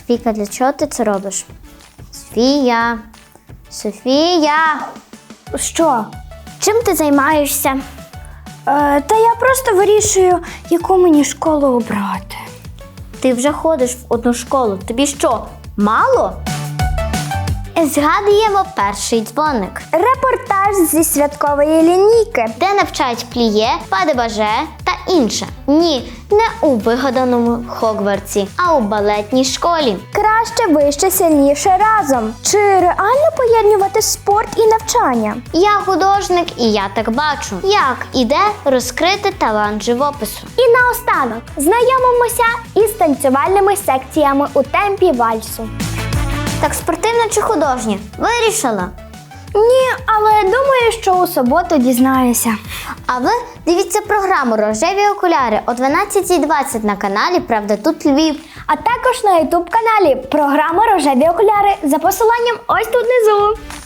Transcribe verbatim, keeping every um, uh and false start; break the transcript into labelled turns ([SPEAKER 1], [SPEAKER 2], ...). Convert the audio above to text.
[SPEAKER 1] Софійка, для чого ти це робиш? Софія! Софія!
[SPEAKER 2] Що?
[SPEAKER 1] Чим ти займаєшся?
[SPEAKER 2] Е, та я просто вирішую, яку мені школу обрати.
[SPEAKER 1] Ти вже ходиш в одну школу. Тобі що, мало? Згадуємо перший дзвоник,
[SPEAKER 2] Репортаж зі святкової лінійки.
[SPEAKER 1] де навчають пліє, падебаже та інше. Ні, не у вигаданому Хогвартсі, а у балетній школі.
[SPEAKER 2] Краще, вище, сильніше разом. Чи реально поєднувати спорт і навчання?
[SPEAKER 1] Я художник і я так бачу, як іде розкрити талант живопису.
[SPEAKER 2] І наостанок знайомимося із танцювальними секціями у темпі вальсу.
[SPEAKER 1] Так спортивна чи художня? Вирішила.
[SPEAKER 2] Ні, але думаю, що у суботу дізнаюся.
[SPEAKER 1] А ви дивіться програму «Рожеві окуляри» о дванадцятій двадцять на каналі «Правда тут Львів».
[SPEAKER 2] А також на ютуб каналі програма «Рожеві окуляри» за посиланням ось тут внизу.